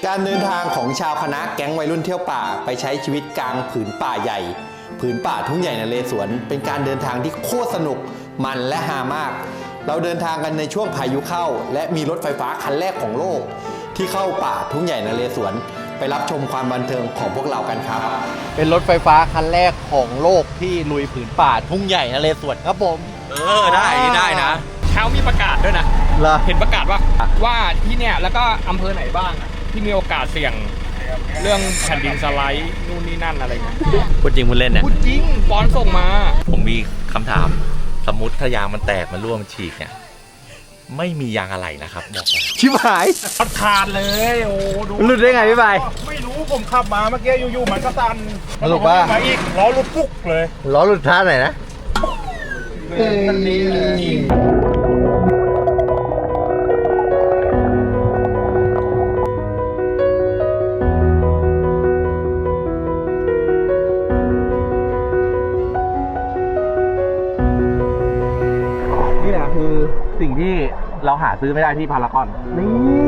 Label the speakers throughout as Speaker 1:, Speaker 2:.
Speaker 1: การเดินทางของชาวคณะแก๊งวัยรุ่นเที่ยวป่าไปใช้ชีวิตกลางผืนป่าใหญ่ผืนป่าทุ่งใหญ่นเรศวรเป็นการเดินทางที่โคตรสนุกมันและฮามากเราเดินทางกันในช่วงพายุเข้าและมีรถไฟฟ้าคันแรกของโลกที่เข้าป่าทุ่งใหญ่นเรศวรไปรับชมความบันเทิงของพวกเรากันครับเป็นรถไฟฟ้าคันแรกของโลกที่ลุยผืนป่าทุ่งใหญ่นเรศวรครับผม
Speaker 2: ได้นะเช้ามีประกาศด้วยนะเห็นประกาศว่าที่เนี่ยแล้วก็อำเภอไหนบ้างที่มีโอกาสเสี่ยงเรื่องแผ่นดินสไลด์นู่นนี่นั่นอะไรเงี้ย
Speaker 1: พูดจริงพูดเล่นเนี่ย
Speaker 2: พูดจริงปอนส่งมา
Speaker 3: ผมมีคำถามสมมติถ้ายางมันแตกมันร่วงฉีกเนี่ยไม่มียางอะไหล่นะครับบอกเลย
Speaker 1: ชิบหาย
Speaker 2: ขาดเลยโอ้ดู
Speaker 1: หลุดได้ไงพี่ใบ
Speaker 2: ไม่รู้ผมขับมาเมื่อกี้อยู่ๆมันก็ตัน
Speaker 1: สรุปว่า
Speaker 2: มาอีกล้อหลุดปุ๊กเลย
Speaker 1: ล้อหลุดท่าไหนนะนี่แหละคือสิ่งที่เราหาซื้อไม่ได้ที่พารากอนนี่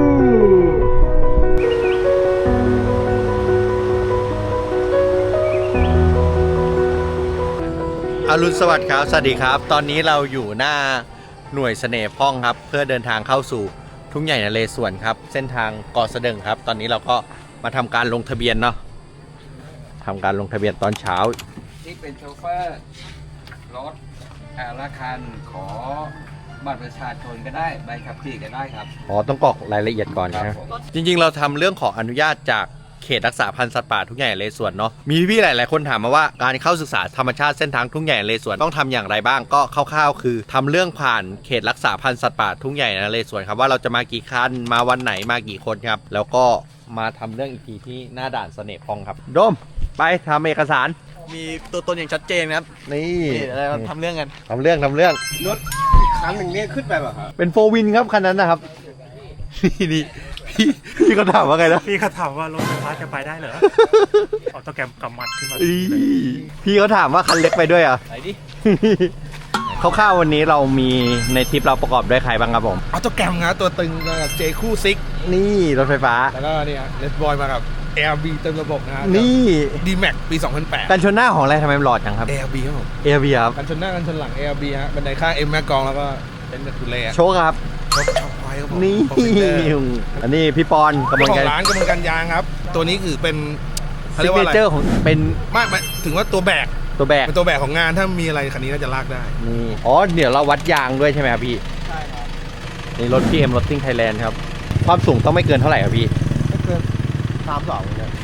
Speaker 1: อรุณสวัสดิ์ครับสวัสดีครับตอนนี้เราอยู่หน้าหน่วยเสน่ห์พ่องครับเพื่อเดินทางเข้าสู่ทุ่งใหญ่นเรศวรครับเส้นทางเกาะเสด็จครับตอนนี้เราก็มาทำการลงทะเบียนเนาะทำการลงทะเบียนตอนเช้า
Speaker 4: ที่เป็นโชเฟอร์รถละคันขอบัตรประชาชนก็ได้ใบขับขี่ก็ได้ครับ
Speaker 1: ต้องกรอกรายละเอียดก่อนนะจริงๆเราทำเรื่องขออนุญาตจากเขตรักษาพันธุ์สัตว์ป่าทุ่งใหญ่นเรศวรเนาะมีพี่หลายๆคนถามมาว่าการเข้าศึกษาธรรมชาติเส้นทางทุ่งใหญ่นเรศวรต้องทำอย่างไรบ้างก็คร่าวๆคือทำเรื่องผ่านเขตรักษาพันธุ์สัตว์ป่าทุ่งใหญ่นเรศวรครับว่าเราจะมากี่คันมาวันไหนมากี่คนครับแล้วก็มาทำเรื่องอีกทีที่หน้าด่านเสน่ห์พองครับโดมไปทำเอกสาร
Speaker 2: มีตัวตนอย่างชัดเจนครับ
Speaker 1: นี่
Speaker 2: อะไรทำเรื่องกัน
Speaker 1: ทำเรื่อง
Speaker 2: รถคันหนึ่งเนี่ยขึ้นไปแบบครับ
Speaker 1: เป็นโฟวินครับคันนั้นนะครับนี่พี่เขาถามว่าไงนะ
Speaker 2: พี่เขาถามว่ารถไฟฟ้าจะไปได้เหรอออโต้แกรมกำมัดขึ้นมา
Speaker 1: พี่เขาถามว่าคันเล็กไปด้วยอ่ะ
Speaker 2: ไหนดิ
Speaker 1: คร่าวๆวันนี้เรามีในทริปเราประกอบด้วยใครบ้างครับผม
Speaker 2: ออโต้แกรมนะตัวตึงกับเจคู่ซิก
Speaker 1: นี่รถไฟฟ้า
Speaker 2: แล้วก็นี่เลสบอยมากับ ARB เต็มระบบนะ
Speaker 1: นี่
Speaker 2: D-Max ปี 2008
Speaker 1: กันชนหน้าของอะไรทำไมมันหลอดจังครับ
Speaker 2: ARB ครับผม
Speaker 1: ARB ครับ
Speaker 2: กันชนหน้ากันชนหลัง ARB ฮะบันไดข้าง M แม็กกองแล้วก็เป็นแบบทุเรศ
Speaker 1: โชคครับ
Speaker 2: โชคไฟครับผม
Speaker 1: นี่อันนี้พี่ปอน
Speaker 2: กำลังร้านกำลังกันยางครับตัวนี้คือเป็น
Speaker 1: ซิกเนเจอร์ของเป็น
Speaker 2: ไม่ถึงว่าตัวแบกเป็นตัวแบกของงานถ้ามีอะไรคันนี้น่าจะลากได้
Speaker 1: นี่เดี๋ยวเราวัดยางด้วยใช่ไหมครับพี่
Speaker 2: ใช่ครับ
Speaker 1: นี่รถ PM Rotting Thailand ครับความสูงต้องไม่เกินเท่าไหร่ครับพี่
Speaker 2: ไม่เกิน32เนี่ย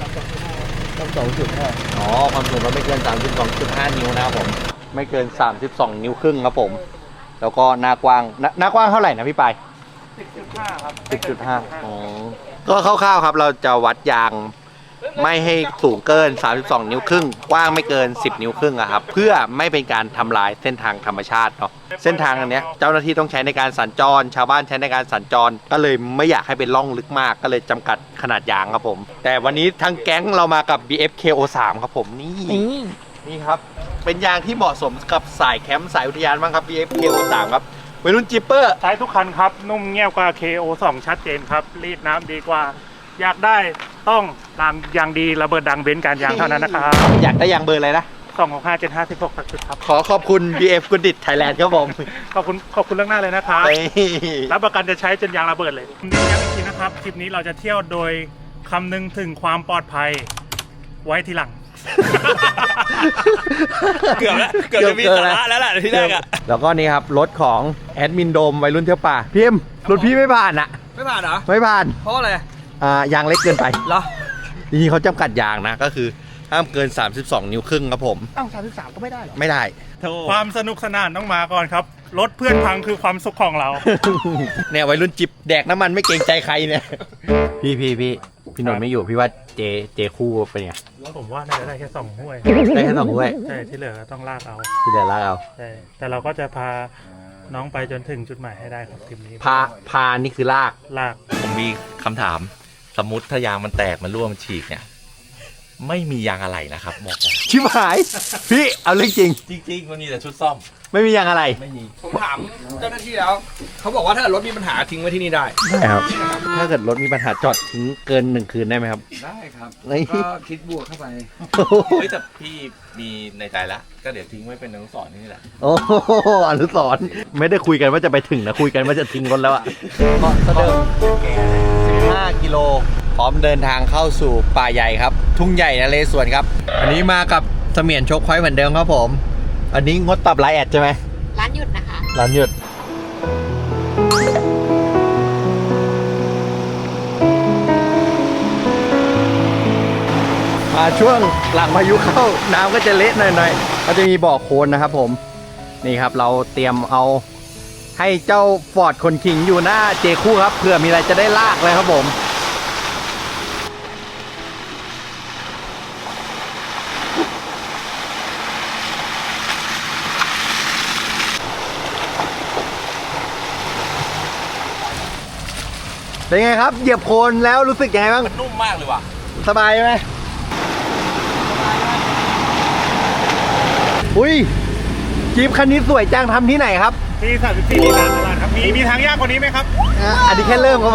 Speaker 2: 32.5
Speaker 1: ความสูงเราไม่เกิน 32.5 นิ้วนะครับผมไม่เกิน32 นิ้วครึ่งครับผมแล้วก็หน้ากว้างเท่าไหร่นะพี่ปาย
Speaker 2: 10.5 ครับ
Speaker 1: 10.5 ก็คร่าวๆครับเราจะวัดยางไม่ให้สูงเกิน32 นิ้วครึ่งกว้างไม่เกิน10 นิ้วครึ่งครับเพื่อไม่เป็นการทำลายเส้นทางธรรมชาติเนาะเส้นทางอันนี้เจ้าหน้าที่ต้องใช้ในการสัญจรชาวบ้านใช้ในการสัญจรก็เลยไม่อยากให้เป็นร่องลึกมากก็เลยจำกัดขนาดยางครับผมแต่วันนี้ทั้งแก๊งเรามากับ BFKO3 ครับผมนี่ครับเป็นยางที่เหมาะสมกับสายแคมป์สายอุทยานบ้างครับ BFKO3 ครับวัยรุ่นจิปเปอร์
Speaker 5: ใช้ทุกคันครับนุ่มเงียบกว่า KO2 ชัดเจนครับรีดน้ำดีกว่าอยากได้ต้องตามยางดีระเบิดดังเบนซ์การยางเท่านั้นนะครับ
Speaker 1: อยากได้ยางเบอร์อะไรนะ
Speaker 5: 265/756ตักจุดครับ
Speaker 1: ขอบคุณ BF กุดิตไทยแลนด์ครับผม
Speaker 5: ขอบคุณเรื่องหน้าเลยนะครับรับประกันจะใช้จนยางระเบิดเลยย้ำอีกทีนะครับคลิปนี้เราจะเที่ยวโดยคำนึงถึงความปลอดภัยไว้ทีหลัง
Speaker 2: เกือบจะมีสาระแล้วแหละที่แรกอ่ะ
Speaker 1: แล้วก็นี่ครับรถของแอดมินโดมวัยรุ่นเที่ยวป่าพี่เอ็มรถพี่ไม่ผ่านอ่ะ
Speaker 2: ไม่ผ่านเหรอ
Speaker 1: ไม่ผ่าน
Speaker 2: เพราะอะไร
Speaker 1: ยางเล็กเกินไป
Speaker 2: เหรอ
Speaker 1: จริงๆเขาจำกัดยางนะก็คือห้ามเกิน32 นิ้วครึ่งครับผม
Speaker 2: 33ก็ไม่ได้หรอ
Speaker 1: ไม่ได้
Speaker 5: ความสนุกสนานต้องมาก่อนครับรถเพื่อนพังคือความสุขของเรา
Speaker 1: เนี่ยวัยรุ่นจิบแดกน้ำมันไม่เกรงใจใครเนี่ยพี่นนท์ไม่อยู่พี่ว่าเจคู่เป็นไง
Speaker 5: ผมว่าน่าจะได้แค่2 ห้วย
Speaker 1: ได้แค่2 ห้วย
Speaker 5: ใช่ที่เหลือต้องลากเอาใช่แต่เราก็จะพาน้องไปจนถึงจุดหมายให้ได้ครับทีมนี้
Speaker 1: พานี่คือลาก
Speaker 3: ผมมีคำถามสมมติถ้ายางมันแตกมันร่วงมันฉีกเนี่ยไม่มียางอะไหล่นะครับบอกเลย
Speaker 1: ชิบหายพี่เอาเรื่องจริง
Speaker 3: มันมีแต่ชุดซ่อม
Speaker 1: ไม่มียางอะไร
Speaker 3: ไม่มี
Speaker 2: ผมถามเจ้าหน้าที่แล้ว เขาบอกว่าถ้ารถมีปัญหาทิ้งไว้ที่นี่ได้
Speaker 1: ได้ครับ ถ้าเกิดรถมีปัญหาจอดทิ้งเกิน1 คืนได้ไหมครับ
Speaker 4: ได้ครับ
Speaker 1: นี่
Speaker 4: ก็คิดบวกเข้าไป
Speaker 3: เฮ้ยแต่พี่มีในใจแล้วก็เดี๋ยวทิ้งไว้เป็นอนุสรณ์นี่แหละ
Speaker 1: โอ้โหอนุสรณ์ไม่ได้คุยกันว่าจะไปถึงนะคุยกันว่าจะทิ้งรถแล้วอะก็เดิม15 กิโลพร้อมเดินทางเข้าสู่ป่าใหญ่ครับ ทุ่งใหญ่นเรศวรครับ อันนี้มากับเสมียนโชคพอยต์เหมือนเดิมครับผม อันนี้งดตอบไลน์แอดใช่ไหม
Speaker 6: ร้านหยุดนะคะ
Speaker 1: ร้านหยุดมาช่วงหลังพายุเข้าน้ำก็จะเละหน่อยๆก็จะมีบ่อโคลนนะครับผมนี่ครับเราเตรียมเอาให้เจ้าฟอร์ดคนขิงอยู่หน้าเจคู่ครับเผื่อมีอะไรจะได้ลากเลยครับผมเป็นไงครับเหยียบโคลนแล้วรู้สึกยังไงบ้าง
Speaker 3: มันนุ่มมากเลยว่ะ
Speaker 1: สบายไหมอุ้ยจี๊ปคันนี้สวยจังทำที่ไหนครับ
Speaker 5: ที่34ลีลาตลาดครับมีทางยากกว่านี้ไหมครับ
Speaker 1: อันนี้แค่เริ่มครับผม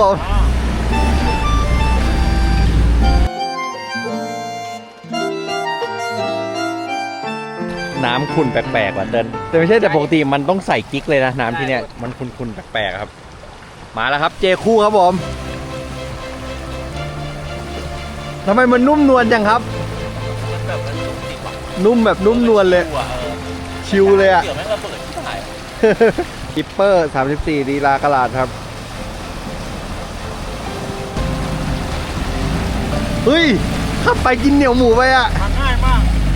Speaker 1: น้ำขุ่นแปลกๆว่ะเดินแต่ไม่ใช่แต่ปกติมันต้องใส่กิ๊กเลยนะน้ำที่เนี้ยมันขุ่นๆแปลกๆครับ มาแล้วครับเจคู่ครับผมทำไมมันนุ่มนวลจังครับ
Speaker 3: มันแบบมันนุ่มจริงว่ะ
Speaker 1: นุ่มแบบนุ่มนวลเลย ชิวเลยอะ
Speaker 3: เดี๋ยวแม่งระเบิดที่ถ่าย
Speaker 1: กิปเปอร์34ดีลากระลาดครับเฮ้ยขับไปกินเหนียวหมูไปอะ
Speaker 5: ทางง่ายมาก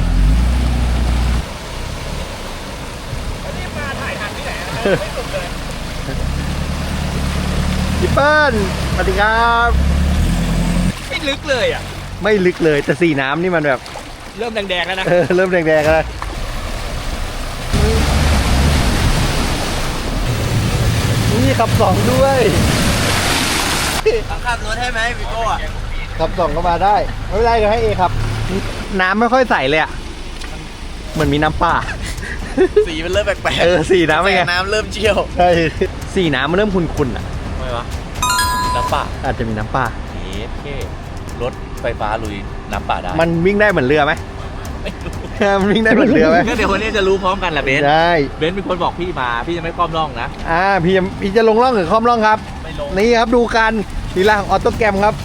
Speaker 1: กิปเปอร์สวัสดีครับ
Speaker 2: ไม่ลึกเลยอ่ะ
Speaker 1: ไม่ลึกเลยแต่สีน้ำนี่มันแบบ
Speaker 2: เริ่มแดงๆแล้วนะ
Speaker 1: เริ่มแดงๆแล้วนี่ขับสองด้วย
Speaker 3: ขับรถให้ไหมพี่โก้อะ
Speaker 1: ขับสองก็มาได้ไม่เป็นไรเดี๋ยวให้เอครับ น้ำไม่ค่อยใสเลยอะเหมือนมีน้ำป่า
Speaker 3: สีมันเริ่มแปลก
Speaker 1: สีน้ำเป็นไง
Speaker 3: น้ำเริ่มเชี่ยว
Speaker 1: ใช่สีน้ำมันเริ่มขุ่นๆอะ
Speaker 3: ทำไมวะน้ำป่า
Speaker 1: อาจจะมีน้ำป่า
Speaker 3: เท่รถไฟฟ้าลุยน้ำป่าได้
Speaker 1: มันวิ่งได้เหมือนเรือไหม
Speaker 3: ไม่รู้
Speaker 1: มันวิ่งได้เหมือนเรือไหม
Speaker 3: ก็เดี๋ยววันนี้จะรู้พร้อมกันแหละเบนซ์
Speaker 1: ได้
Speaker 3: เบนซ์เป็นคนบอกพี่มาพี่จะไม่คล่อมร่องนะ
Speaker 1: พี่จะลงร่องหรือคล่อมร่องครับ
Speaker 3: ไม่ลง
Speaker 1: นี่ครับดูกันลีลาของออโต้แกรมครับ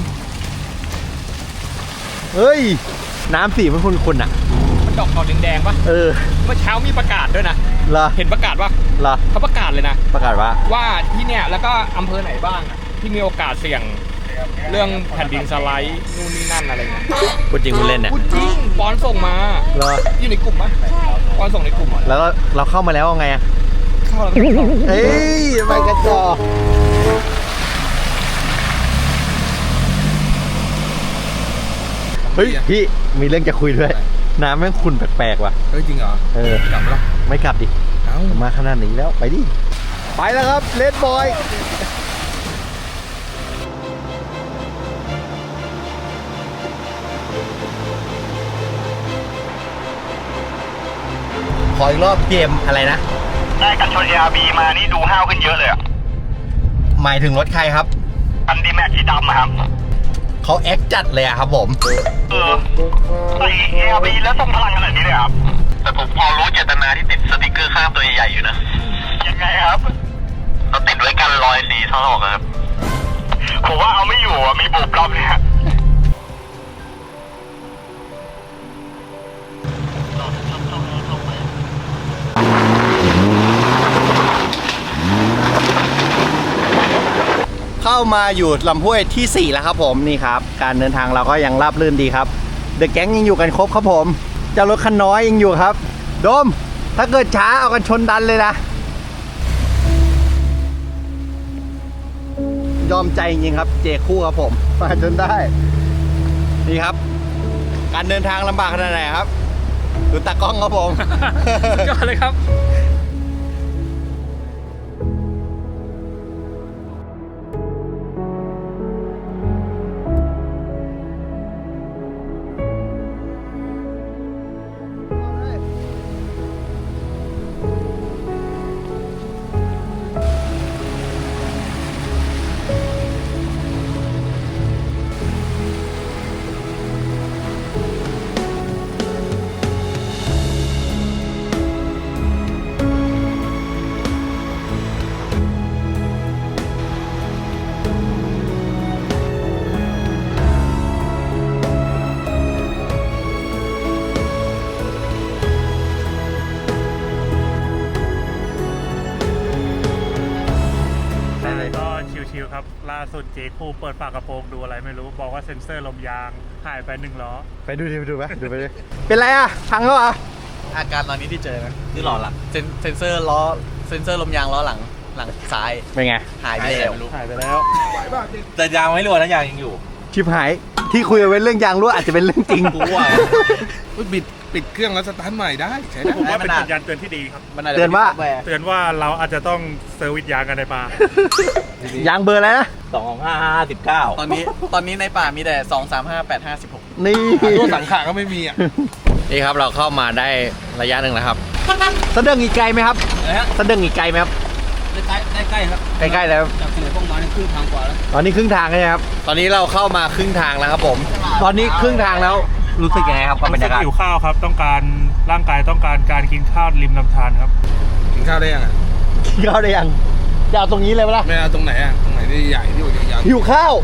Speaker 1: เฮ้ย น้ำสีมันขุ่นๆอ่ะ
Speaker 2: มันดอกขาวแดงๆปะ
Speaker 1: เออ
Speaker 2: เมื่อเช้ามีประกาศด้วยนะ
Speaker 1: เหรอ
Speaker 2: เห็นประกาศปะ
Speaker 1: เหรอ
Speaker 2: เขาประกาศเลยนะ
Speaker 1: ประกาศว่า
Speaker 2: ว่าที่เนี่ยแล้วก็อำเภอไหนบ้างอะที่มีโอกาสเสี่ยงเรื่องแผ่นดินสไลด์นู่นนี่นั่นอะไรเงี้ย
Speaker 1: พูดจริงพูดเล่นเนี่ย
Speaker 2: พูดจริงปอนส่งมา
Speaker 1: เหรอ
Speaker 2: อยู่ในกลุ่มปะปอนส่งในกลุ่มเหรอ
Speaker 1: แล้วเราเข้ามาแล้วเอาไงอ่ะ
Speaker 2: เข้าแล้วก็ไม่เข้า
Speaker 1: เอ้ยไปกระจอกเฮ้ยพี่มีเรื่องจะคุยด้วย น้ำแม่งขุ่นแปลกๆว่ะ
Speaker 2: เฮ้ยจริงเหรอ
Speaker 1: เออ
Speaker 2: กลับแล้ว
Speaker 1: ไม่กลับดิ
Speaker 2: เอ้า
Speaker 1: มาขนาดนี้แล้วไปดิ ไปแล้วครับเลดบอย ขออีกรอบเกมอะไรนะ
Speaker 7: ได้กันชน ARB มานี่ดูห้าวขึ้นเยอะเลยอ่ะ
Speaker 1: หมายถึงรถใครครับ
Speaker 7: อันดีแม็กสีดำอะครับ
Speaker 1: เขาแอคจัดเลยอะครับผม
Speaker 7: ใส่ ARB แล้วทรงพลังขนาดนี้เลยครับ แต่ผมพอรู้เจตนาที่ติดสติกเกอร์ข้างตัวใหญ่ๆอยู่นะ ยังไงครับเราติดไว้กันรอยสีทะลอกครับ ผมว่าเอาไม่อยู่อ่ะ มีบุบรอบเนี่ย
Speaker 1: เข้ามาอยู่ลำห้วยที่ 4 แล้วครับผมนี่ครับ การเดินทางเราก็ยังราบรื่นดีครับเดอะแก๊งยังอยู่กันครบครับผมเจ้ารถคันน้อยยังอยู่ครับโดมถ้าเกิดช้าเอากันชนดันเลยนะ ยอมใจจริงๆครับเจคู่ครับผมมาจนได้นี่ครับ การเดินทางลำบากขนาดไหนครับดูตากล้องครับผม
Speaker 2: ยอดเลยครับ
Speaker 5: สุดเจคูเปิดฝากระโปรงดูอะไรไม่รู้บอกว่าเซ็นเซอร์ลมยางหายไป1 ล้อ
Speaker 1: ไปดูดิไปดูไหมดูไปดิเป็นไรอ่ะพังแล้วอ่ะ
Speaker 6: อาการตอนนี้ที่เจอนะคือหล่อหลังเซนเซอร์ล้อเซนเซอร์ลมยางล้อหลังซ้าย
Speaker 1: เป็นไง
Speaker 6: หายไปแล้ว
Speaker 5: หายไปแล้ว
Speaker 3: แต่ยางไม่รั่วนะยางยังอยู่
Speaker 1: ชิบหายที่คุยกันไว้เรื่องยางรั่วอาจจะเป็นเรื่องจริง
Speaker 3: กูว่า
Speaker 8: ปิดเครื่องแล้วสตาร์ทใหม่ได้ใช้ได้
Speaker 5: ผมว่าเป็นสัญญาณเตือนที่ดีครับ
Speaker 1: เตือนว่า
Speaker 5: เตือนว่าเราอาจจะต้องเซอร์วิสยางกันในป่า
Speaker 1: ยางเบอร์อะไรนะ
Speaker 3: 25559
Speaker 6: ตอนนี้ในป่ามีแต่ 2 3 5 8 5 16
Speaker 1: นี่
Speaker 8: ตัวสังขาก็ไม่มีอ่ะ
Speaker 1: นี่ครับเราเข้ามาได้ระยะหนึ่งแล้วครับสะเดิงอีกไกลไหมครับสะเดิงอีกไกลไหมครับ
Speaker 2: ใกล้ครับ
Speaker 1: ใกล้ๆแล้ว
Speaker 2: จากที่ไหนพวกมาในครึ่งทางกว่าแล้ว
Speaker 1: ตอนนี้ครึ่งทางแล้วครับตอนนี้เราเข้ามาครึ่งทางแล้วครับผม ตอนนี้ครึ่งทางแล้วรู้สึกยังไงครับกับบรรยากาศ
Speaker 5: หิวข้าวครับต้องการร่างกายต้องการการกินข้าวริมลำธารครับ
Speaker 8: กินข้าวได้ยังอ่ะ
Speaker 1: กินข้าวได้ยังจะเอาตรงนี้เลยไหมล่ะ
Speaker 8: ไม่เอาตรงไหนอ่ะ ตรงไหนที่ใหญ่ที่อยู่ยาว
Speaker 1: หิวข้าว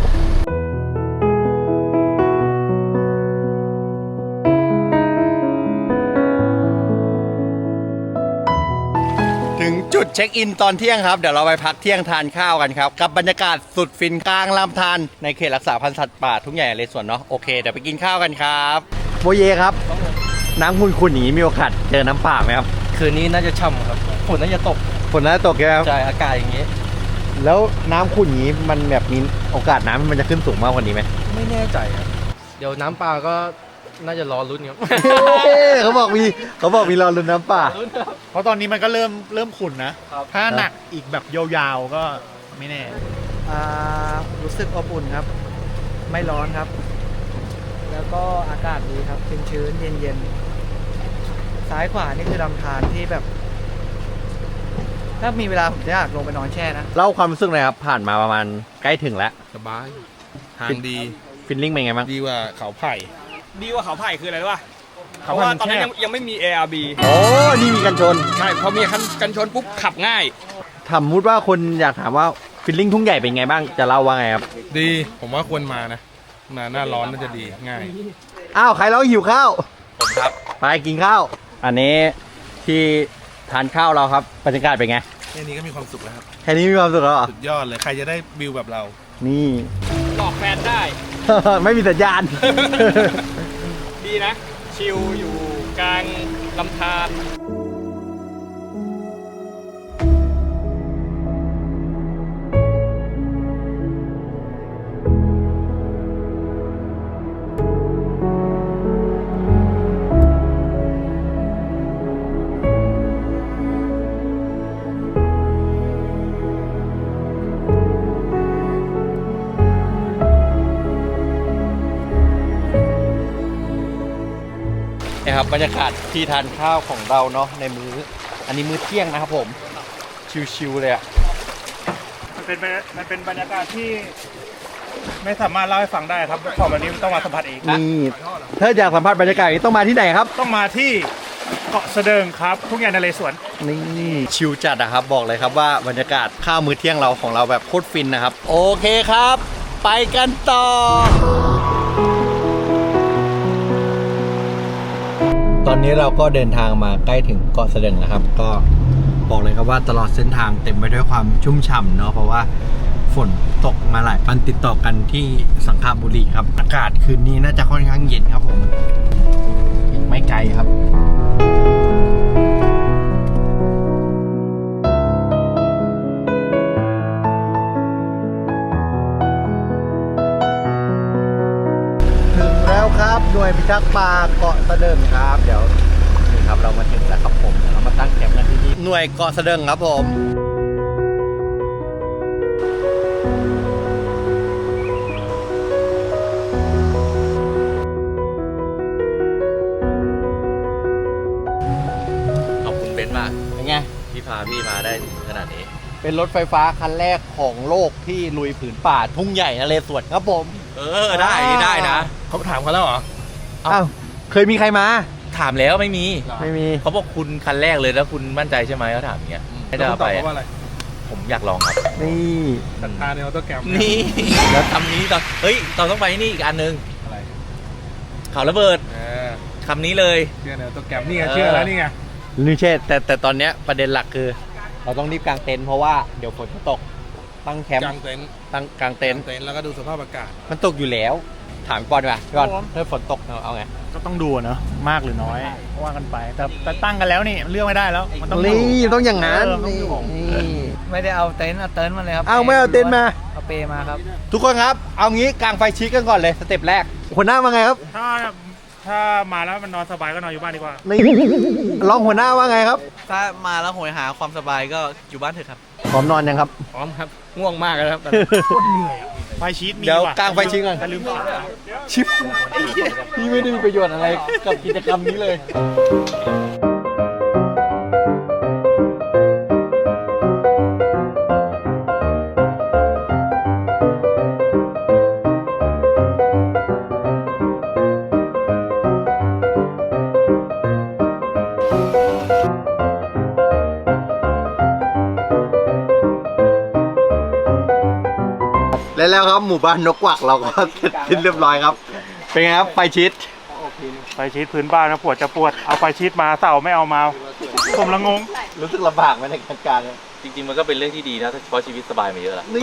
Speaker 1: ถึงจุดเช็คอินตอนเที่ยงครับเดี๋ยวเราไปพักเที่ยงทานข้าวกันครับกับบรรยากาศสุดฟินกลางลำธารในเขตรักษาพันธุ์สัตว์ป่าทุ่งใหญ่นเรศวรเนาะโอเคเดี๋ยวไปกินข้าวกันครับโบเยครับน้ำขุ่นๆอย่างนี้มีโอกาสเจอน้ำป่าไหมครับ
Speaker 6: คืนนี้น่าจะช่ำครับฝนน่าจะตก
Speaker 1: ฝนน่าจะตกใช่ไหมครับ
Speaker 6: ใช่อากาศอย่างนี้
Speaker 1: แล้วน้ำขุ่นอย่างนี้มันแบบมีโอกาสน้ำมันจะขึ้นสูงมากกว่านี้ไหม
Speaker 6: ไม่แน่ใจครับ เดี๋ยวน้ำปลาก็น่าจะรอลุ้นครับ
Speaker 1: เขาบอกมีรอลุ้นน้ำป่า
Speaker 5: เพราะตอนนี้มันก็เริ่มขุ่นนะ ถ้าหนักอีกแบบยาวๆก็ไม่แน่
Speaker 9: รู้สึกอบอุ่นครับ ไม่ร้อนครับ แล้วก็อากาศดีครับชื้นๆเย็นๆซ้ายขวานี่คือลำธารที่แบบ ถ้ามีเวลาผมจะอยากลงไปนอนแช่นะ
Speaker 1: เล่าความรู้สึกหน่อยครับผ่านมาประมาณใกล้ถึงแล้ว
Speaker 8: สบาย ทางดี
Speaker 1: ฟิลลิ่งเป็นไงบ้าง
Speaker 8: ดีกว่าเขาไผ่
Speaker 2: ดีกว่าเขาไผ่คืออะไรรู้ป่ะเพ
Speaker 8: เขา
Speaker 2: ราะ
Speaker 8: ไผ่
Speaker 2: ว่า
Speaker 8: มัน
Speaker 2: ตอนนั้น
Speaker 8: แคบ
Speaker 2: ยังไม่มี ARB
Speaker 1: โอ้นี่มีกันชน
Speaker 2: ใช่พอมีกันชนปุ๊บขับง่าย
Speaker 1: ถามมุดว่าคนอยากถามว่าฟิลลิ่งทุ่งใหญ่เป็นไงบ้างจะเล่าว่าไงครับ
Speaker 8: ดี ผมว่าควรมานะ มาหน้าร้อนน่าจะดีง่าย
Speaker 1: อ้าวใครร้องหิวข้าว
Speaker 3: ผมครับ
Speaker 1: ไปกินข้าว อันนี้ที่ทานข้าวเราครับบรรยากาศเป็นไง
Speaker 8: แค่นี้ก็มีความสุขแล้วครับ
Speaker 1: แค่นี้มีความสุขแล้วเหรอ
Speaker 8: สุดยอดเลย ใครจะได้วิวแบบเรา
Speaker 1: นี่
Speaker 2: หลอกแฟนได้
Speaker 1: ไม่มีสัญญาณ
Speaker 2: ดีนะ ชิลอยู่กลางลำธาร
Speaker 1: นะครับบรรยากาศที่ทานข้าวของเราเนาะในอันนี้มื้อเที่ยงนะครับผมชิวๆเลยอะ
Speaker 5: มันเป็นบรรยากาศที่ไม่สามารถเล่าให้ฟังได้ครับของแบบนี้ต้องมาสัมผัสเอง
Speaker 1: นี่ถ้าอยากสัมผัสบรรยากาศอย่างนี้ต้องมาที่ไหนครับ
Speaker 5: ต้องมาที่เกาะเสดิงครับทุ่งใหญ่นเรศวร
Speaker 1: นี่ชิวจัดนะครับบอกเลยครับว่าบรรยากาศข้าวมื้อเที่ยงเราของเราแบบโคตรฟินนะครับโอเคครับ ไปกันต่อ ตอนนี้เราก็เดินทางมาใกล้ถึงเกาะเสด็จนะครับก็บอกเลยครับว่าตลอดเส้นทางเต็มไปด้วยความชุ่มฉ่ำเนาะเพราะว่าฝนตกมาหลายวันติดต่อกันที่สังขบุรีครับอากาศคืนนี้น่าจะค่อนข้างเย็นครับผมยังไม่ไกลครับถึงแล้วครับหน่วยพิทักษ์ป่าเกาะเสด็จครับเดี๋ยวนี่ครับเรามาถึงแล้วครับผมเดี๋ยวเรามาตั้งแคมป์กันที่นี่หน่วยเกาะเสด็จครับผม
Speaker 3: ขอบคุณเบนซ์มาก
Speaker 1: เป็นไง
Speaker 3: ที่พาพี่มาได้ขนาดนี้
Speaker 1: เป็นรถไฟฟ้าคันแรกของโลกที่ลุยผืนป่าทุ่งใหญ่นเรศวรครับผม
Speaker 3: ได้นะ
Speaker 8: เขาถามเขาแล้วเหรอ
Speaker 1: อ้าวเคยมีใครมา
Speaker 3: ถามแล้วไม่มี
Speaker 1: ไม่มี
Speaker 3: เขาบอกคุณคันแรกเลยแล้วคุณมั่นใจใช่ไหมเขาถามอย่างเงี้ยให้
Speaker 8: แล้ว
Speaker 3: จะ
Speaker 8: คุณต
Speaker 3: ไป
Speaker 8: อบว่าอะไร
Speaker 3: ผมอยากลองครับ
Speaker 1: นี่
Speaker 8: ศรัทธาในออโต้แกรม
Speaker 3: นี่แล้วคำนี้ตอนเฮ้ยตอนต้องไปนี่อีกอันนึง
Speaker 8: อะไร
Speaker 3: เขาระเบิด
Speaker 8: เออ
Speaker 3: คำนี้เลย
Speaker 8: เชื่อในออโต้แกรมนี่ไงเชื่อแล้วนี่ไง
Speaker 1: นี่เช่แต่ตอนเนี้ยประเด็นหลักคือ เราต้องรีบกางเต็นท์เพราะว่าเดี๋ยวฝนจะตกตั้งแคมป์
Speaker 8: กางเต็นท์
Speaker 1: ตั้งกลางเต็นท์
Speaker 8: เต็นท์แล้วก็ดูสภาพอากาศ
Speaker 1: มันตกอยู่แล้ว ถามก่อนป่ะก่อนถ้าฝนตกเอาไง
Speaker 5: ก็ต้องดูเนอะมากหรือน้อยว่ากันไป แต่ตั้งกันแล้วนี่เลือกไม่ได้แล้วมันต้องดู
Speaker 1: นี่ต้องอย่างนั้น
Speaker 5: ต้องดู
Speaker 1: นี่
Speaker 9: ไม่ได้เอาเต็นท์มาเลยครับ
Speaker 1: เอาไม่เอาเต็นท์มา
Speaker 9: เอาเปมาครับ
Speaker 1: ทุกคนครับ เอางี้กางไฟชิกกันก่อนเลยสเต็ปแรกหัวหน้าว่าไงครับ
Speaker 5: ถ้ามาแล้วมันนอนสบายก็นอนอยู่บ้านดีกว่า
Speaker 1: นี่รองหัวหน้าว่าไงครับ
Speaker 6: ถ้ามาแล้วโหยหาความสบายก็อยู่บ้านเถอะครับ
Speaker 1: พร้อมนอนยังครับ
Speaker 2: พร้อมครับ ง่วงมากเลยครับ
Speaker 5: ไฟชีตมี
Speaker 1: เดี๋ยว
Speaker 5: ว่ะ
Speaker 1: กางไฟชิกก่อน
Speaker 5: แต่ลืมขา
Speaker 1: ชิปพี่ไม่ได้มีประโยชน์อะไรกับกิจกรรมนี้เลย แล้วครับหมู่บ้านนกกวักเราก็เสร็จสิ้นเรียบร้อยครับ เป็นไงครับไฟชิด
Speaker 5: ไฟชีตพื้นบ้านนะปวดจะปวดเอาไฟชีตมาเสาไม่เอามาผมละงง
Speaker 1: รู้สึกลำบากไหมในการกาง
Speaker 3: จริงๆมันก็เป็นเรื่องที่ดีนะเพราะชีวิตสบายมาเยอะแล้ว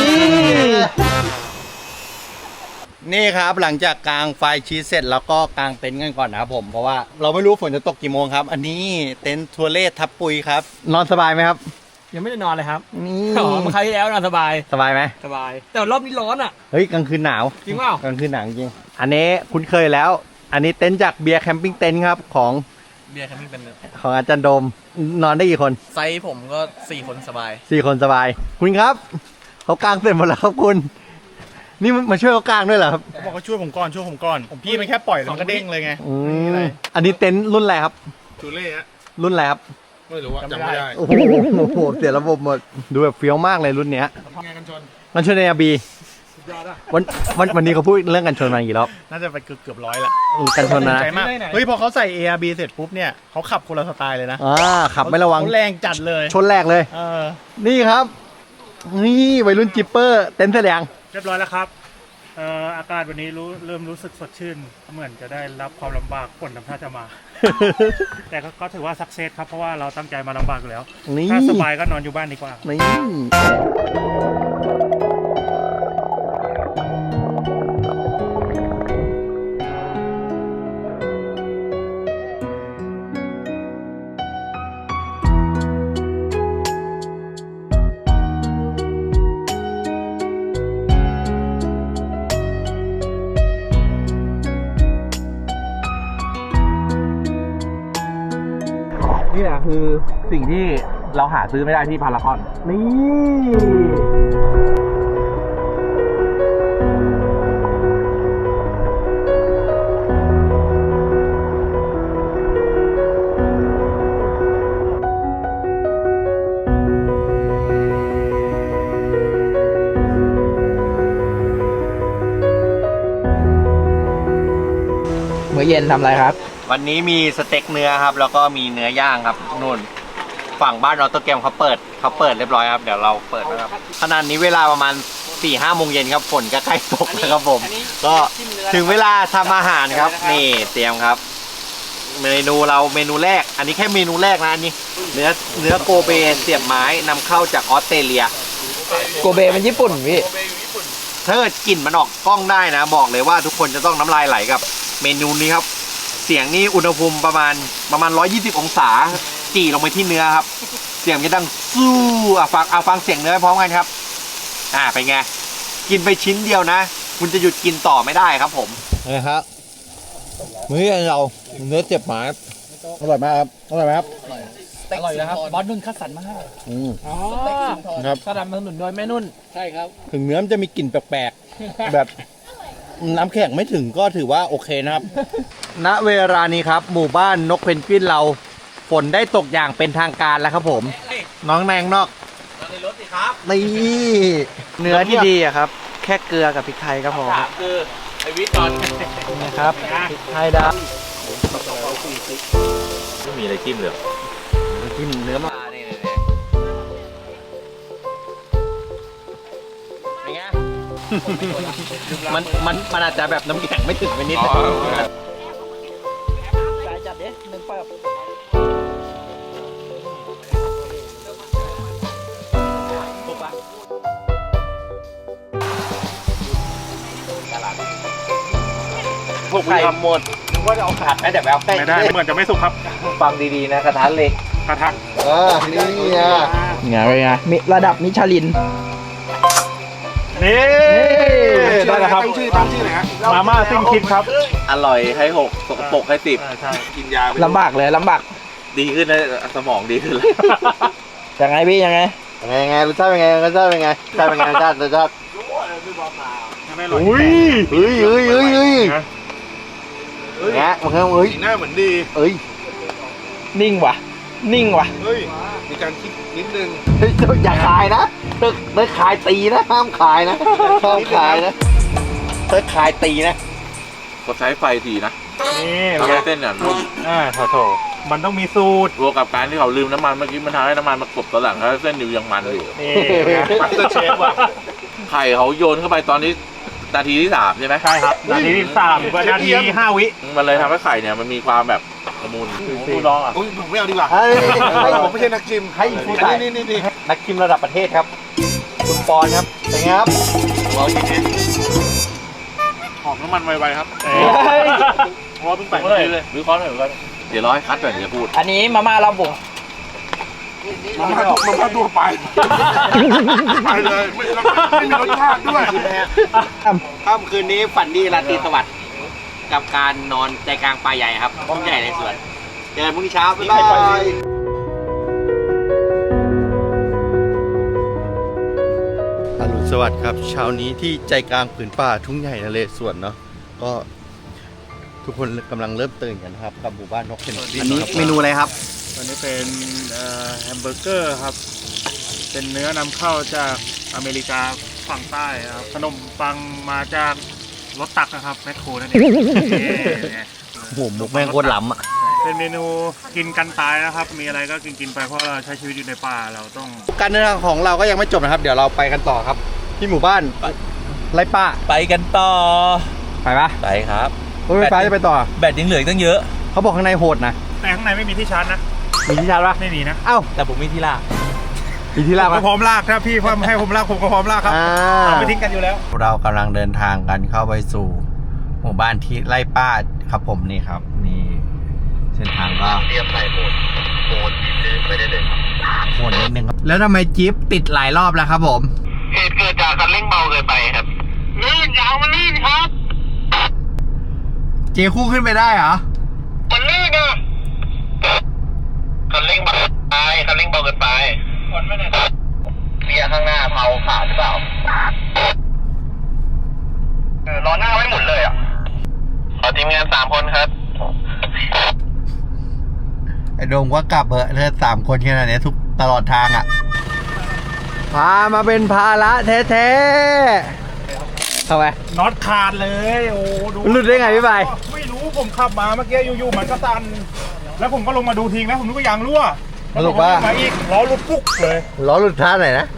Speaker 1: นี่ครับหลังจากกางไฟชีสเสร็จแล้วก็กางเต็นท์กันก่อนนะครับผมเพราะว่าเราไม่รู้ฝนจะตกกี่โมงครับ อันนี้เต็นท์ทัวเล่ทับปุยครับ นอนสบายไหมครับ
Speaker 2: ยังไม่ได้นอนเลยครับ
Speaker 1: นี่
Speaker 2: อ๋อเมื่อคราวที่แล้วนอนสบาย
Speaker 1: สบายไหม
Speaker 2: สบาย แต่รอบนี้ร้อนอ่ะ
Speaker 1: เฮ้ยกลางคืนหนาว
Speaker 2: จริงเปล่า
Speaker 1: กลางคืนหนาวจริงอันนี้คุ้นเคยแล้ว อันนี้เต็นท์จากเบียร์แคมปิ้งเต็นท์ครับของ
Speaker 6: เบียร์แคมปิ้งเป็น
Speaker 1: ของอาจารย์โดมนอนได้กี่คน
Speaker 6: ไซส์ผมก็ 4 คนสบาย
Speaker 1: 4 คนสบาย คุณครับเขากางเสร็จหมดแล้วครับคุณ นี่มาช่วยเขากางด้วยเหรอครับ
Speaker 5: เขาบอกเขาช่วยผมก่อนผมพี่มันแค่ปล่อยแล้วมันก็เด้งเลยไง
Speaker 1: อืมอันนี้เต็นท์รุ่นอะไรครับ
Speaker 8: จูเล่ฮะ
Speaker 1: รุ่นอะไรครับ
Speaker 8: ไม่รู้ว่าจำไม่ได้
Speaker 1: โอ้โหเสียระบบหมดดูแบบเฟี้ยวมากเลยรุ่นเนี้ย
Speaker 8: งานกันชน
Speaker 1: กันชนในอาบีวันนี้เขาพูดเรื่องกันชนมากี่รอบ
Speaker 5: น่าจะไปเกือบร้อยละ
Speaker 1: กันชนนะ
Speaker 5: ใจมากเฮ้ยพอเขาใส่ ARB เสร็จปุ๊บเนี่ยเขาขับคนละสไตล์เลยนะ
Speaker 1: ขับไม่ระวัง
Speaker 5: เขาแรงจัดเลย
Speaker 1: ชนแรกเลย นี่ครับ นี่วัยรุ่นจิปเปอร์เต็นท์แสดง
Speaker 5: เรียบร้อยแล้วครับอากาศวันนี้เริ่มรู้สึกสดชื่น เหมือนจะได้รับความลำบากฝนทำท่าจะมา แต่ก็ถือว่าสักเซสครับ เพราะว่าเราตั้งใจมาลำบากอยู่แล้ว
Speaker 1: นี่
Speaker 5: ถ้าสบายก็นอนอยู่บ้านดีกว่า
Speaker 1: นี่นี่แหละคือสิ่งที่เราหาซื้อไม่ได้ที่พารากอน นี่มื้อเย็นทำอะไรครับ วันนี้มีสเต็กเนื้อครับ แล้วก็มีเนื้อย่างครับนู่นฝั่งบ้านออโตแกรมเขาเปิดเรียบร้อยครับเดี๋ยวเราเปิดนะครับขณะนี้เวลาประมาณ 4-5 โมงเย็นครับฝนก็ใกล้ตกแล้วครับผม ก็ถึงเวลาทำอาหารครับนี่เตรียมครับ เมนูแรก อันนี้แค่เมนูแรกนะอันนี้เนื้อโกเบเสียบไม้นำเข้าจากออสเตรเลีย
Speaker 9: โกเบมันญี่ปุ่นพี่
Speaker 1: ถ้าเกิดกลิ่นมันออกกล้องได้นะ บอกเลยว่าทุกคนจะต้องน้ำลายไหลกับเมนูนี้ครับ เสียงนี่อุณหภูมิประมาณ 120 องศาจี่ลงไปที่เนื้อครับ เสียงจะดังสู้ฟังเสียงเนื้อพร้อมกันครับเป็นไงกินไปชิ้นเดียวนะ คุณจะหยุดกินต่อไม่ได้ครับผมนะครับมื้อเราเนื้อเจ็บหมาอร่อยมากครับอร่อยไหมครับ
Speaker 2: อร่อยนะครับ บอสนุ่นคัดสรรมาให้ อ๋อ
Speaker 1: ครับ
Speaker 2: สนับสนุนโดยแม่นุ่น ใช่ครับ
Speaker 1: ถึงเนื้อมันจะมีกลิ่นแปลกๆ แบบน้ำแข็งไม่ถึงก็ถือว่าโอเคนะครับ ณเวลานี้ครับ หมู่บ้านนกเพนกวินเราฝนได้ตกอย่างเป็นทางการแล้วครับผม น้องแนงนอกในรถสิครับนี่
Speaker 9: เนื้อที่ดีอะครับ แค่เกลือกับพริกไทยก็พอครับ
Speaker 3: คือไอวิทย์ตอน
Speaker 9: นะครับพริกไทยด
Speaker 3: ไม่มีอะไรจิ้มเลย
Speaker 1: กินเนื้อมาเป็นไง มันอาจจะแบบน้ำแข็งไม่ถึงไปนิดนึง
Speaker 9: จ่ายจัดเด้หนึ่งเปิบ
Speaker 5: สุกไหม
Speaker 1: ไข่
Speaker 5: ครับ
Speaker 1: หมดนึกว่าจะเอาขาดไหมเดี๋ยวไปเอาใกล้
Speaker 5: ไม่ได้เหมือนจะไม่สุกครับ
Speaker 1: ฟังดีๆนะกระทะเหล็ก
Speaker 5: กระทะ
Speaker 1: นี่ไง
Speaker 6: ไงเป็นไงมีระดับมิชลิน
Speaker 5: นี่ได้แล้วครับมาม่าซิ่งคิดครับ
Speaker 3: อร่อยให้6สกปรกให้10
Speaker 5: ใช่
Speaker 3: กินยาไป
Speaker 6: ลำบากเลยลำบาก
Speaker 3: ดีขึ้นนะสมองดีขึ้นเลย
Speaker 6: ยังไงพี่ยังไง
Speaker 1: ยังไงรสชาติเป็นไงรสชาติเป็นไงรสชาติเป็นไงรสชาติ
Speaker 5: อุ้ย
Speaker 1: เฮ้ยแงะมันเฮ้ย
Speaker 8: หน้าเหมือนดี
Speaker 1: เอ้ย
Speaker 6: นิ่งว่ะ นิ่งว่ะ
Speaker 8: เฮ้ย มีการคิดนิดนึง
Speaker 1: เฮ้ยอย่าขายนะถ้าขายตีนะห้ามขายนะห้ามขายนะถ้าขายตีนะ
Speaker 3: กดใช้ไฟทีนะ
Speaker 5: นี่
Speaker 3: ทำให้เส้นเนี่ยนุ่ม
Speaker 5: โถมันต้องมีสูตร
Speaker 3: รวมกับการที่เขาลืมน้ำมันเมื่อกี้มันทำให้น้ำมันมากรบตอนหลังแล้วเส้นอยู่ยังมันอยู่
Speaker 5: นี่มาสเตอร์เชฟว่ะ
Speaker 3: ไข่เขาโยนเข้าไปตอนนี้นาทีที่ 3 ใช่ไหม
Speaker 5: ใช่ครับนาทีที่3กับนาทีที่5 วิ
Speaker 3: มันเลยทำให้ไข่เนี่ยมันมีความแบบละมุนผู้น้องอ่ะ
Speaker 8: อุ้ยผมไม่เอาดีกว่า ผมไม่ใช่นักชิม
Speaker 1: ให้ผู้ใส่
Speaker 8: นี่
Speaker 1: นักชิมระดับประเทศครับ คุณปอนครับเป็นไงครับ
Speaker 3: ลองกินดิหอมน้ำมันไวๆครับเพราะว่าเพิ่งแปะเลยวิเคราะห์หน่อยเดี๋ยวรอให้คัดก่อนเดี๋ยวพูด
Speaker 6: อันนี้มาม่าเราบุ๋ง
Speaker 8: มันมาตัวไป ไปเลย ไม่มีรสชาติด้วย
Speaker 1: ค่ำคืนนี้ฝันดีราตรีสวัสดิ์กับการนอนใจกลางป่าใหญ่ครับห้องใหญ่ในสวนเจอกันพรุ่งนี้เช้าบ๊ายบายอรุณสวัสดิ์ครับเช้านี้ที่ใจกลางผืนป่าทุ่งใหญ่นเรศวรเนาะก็ทุกคนกำลังเริ่มตื่นกันครับกับหมู่บ้านนกเพนกวิน
Speaker 5: อันนี้
Speaker 1: เมนูอะไรครับ
Speaker 5: วันนี้เป็นแฮมเบอร์เกอร์ครับ เป็นเนื้อนำเข้าจากอเมริกาฝั่งใต้ครับ ขนมปังมาจากรถตักนะครับแมคโครนั่นเองนี่
Speaker 1: โอ้โหมุกแม่งโคตรล้ำอ่ะ
Speaker 5: เป็นเมนูกินกันตายนะครับ มีอะไรก็กินไปเพราะเราใช้ชีวิตอยู่ในป่าเราต้อง
Speaker 1: การเดินทางของเราก็ยังไม่จบนะครับ เดี๋ยวเราไปกันต่อครับ ที่หมู่บ้านไรป้า
Speaker 3: ไปกันต่อ
Speaker 1: ไปปะ
Speaker 3: ไปครับ
Speaker 1: รถไฟฟ้าจะไปต่อ
Speaker 3: แบตยังเหลือตั้งเยอะ
Speaker 1: เขาบอกข้างในโหดนะ
Speaker 5: แต่ข้างในไม่มีที่ชาร์จนะ
Speaker 1: มีที่ชาร์จปะ
Speaker 5: ไม่มีนะ
Speaker 1: เอ้า
Speaker 3: แต่ผมมีที่ลาก
Speaker 1: มีที่ลาก
Speaker 5: ผม
Speaker 1: ปะ
Speaker 5: ก็พร้อมลากถ้าพี่ให้ผมลากผมก็พร้อมลากครับเราไม่ทิ้งกันอยู่แล้ว
Speaker 1: เรากำลังเดินทางกันเข้าไปสู่ หมู่บ้านที่ไร่ป้าครับผมนี่ครับนี่เส้นทางก็
Speaker 7: เตรียมใส่โหมดดินไปได้เลย
Speaker 1: โหดนิดนึงครับแล้วทำไมจี๊ปติดหลายรอบแล้วครับผม
Speaker 7: เหตุเกิดจากคันเร่งเบาเกินไปครับลื่นยางมันลื่นครับ
Speaker 1: เจคู่ขึ้นไปได้เหรอ
Speaker 7: มันลื่นอะคันเร่งเบาไปคันเร่งเบาเกินไปคนไม่ได้เกียร์ข้างหน้าเผาขาดหรือเปล่าล้อหน้าไม่หมุนเลยอ่ะขอทีมงาน3 คนครับ
Speaker 1: ไอ้โดมก็กลับเหอะเธอ3 คนแค่นั้นเนี่ยทุกตลอดทางอ่ะพามาเป็นภาระแท้ๆทำไม
Speaker 5: น็อตขาดเลยโอ้ดู
Speaker 1: หลุดได้ไงพี่ใบ
Speaker 5: ไม่รู้ผมขับมาเมื่อกี้อยู่ๆมันก็ตัน แล้วผมก็ลงมาดูทิ้งแล้วผมนึกว่ายางรั่ว
Speaker 1: สรุปว่า
Speaker 5: มาอีกล้อหลุดปุ๊กเลย
Speaker 1: ล้อหลุดท่าไหนนะ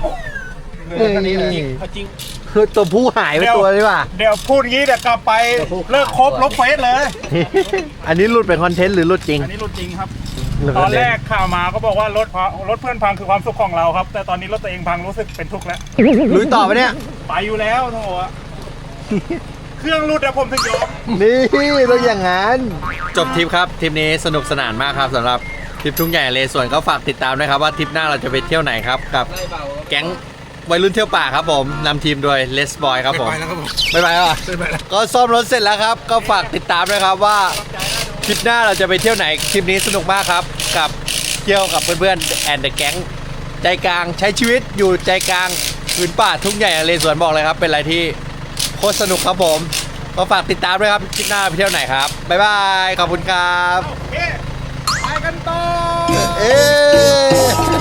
Speaker 5: จริง
Speaker 1: คือตัวผู้หายไปตัวดีกว่า
Speaker 5: เดี๋ยวพูดงี้เดี๋ยวกลับไปเลิกครบลบเฟซเลย
Speaker 1: อันนี้หลุดเป็นคอนเทนต์หรือหลุดจริง
Speaker 5: อันนี้หลุดจริงครับ
Speaker 1: หลุด
Speaker 5: ต
Speaker 1: ค
Speaker 5: อ
Speaker 1: อน เท
Speaker 5: แร
Speaker 1: น
Speaker 5: ก
Speaker 1: ต์
Speaker 5: ข่าวมาก็บอกว่ารถเพื่อนพังคือความสุขของเราครับ แต่ตอนนี้รถตัวเองพังรู้สึกเป็นทุกข์แล้ว
Speaker 1: ลุยต่อไปเนี่ย
Speaker 5: ไปอยู่แล้วโถอะเครื่องรุดอะผมถึงยอม
Speaker 1: นี่ต้องอย่างนั้นจบทริปครับทริปนี้สนุกสนานมากครับสำหรับทริปทุ่งใหญ่เลสวนก็ฝากติดตามด้วยครับว่าทริปหน้าเราจะไปเที่ยวไหนครับกับแก๊งวัยรุ่นเที่ยวป่าครับผมนำทีมโดยเลสบอยครับผม
Speaker 8: ไปแล้วครับผม
Speaker 1: ไม่ไปแล้วเหรอก็ซ่อมรถเสร็จแล้วครับก็ฝากติดตามด้วยครับว่าทริปหน้าเราจะไปเที่ยวไหนทริปนี้สนุกมากครับกับเที่ยวกับเพื่อนๆแอนด์เดอะแก๊งใจกลางใช้ชีวิตอยู่ใจกลางพื้นป่าทุ่งใหญ่เลสวนบอกเลยครับเป็นอะไรที่โคตรสนุกครับผมก็ฝากติดตามด้วยครับทริปหน้าไปเที่ยวไหนครับบ๊ายบายขอบคุณครับ
Speaker 5: ไปกันต่อ
Speaker 1: เอ๊ะ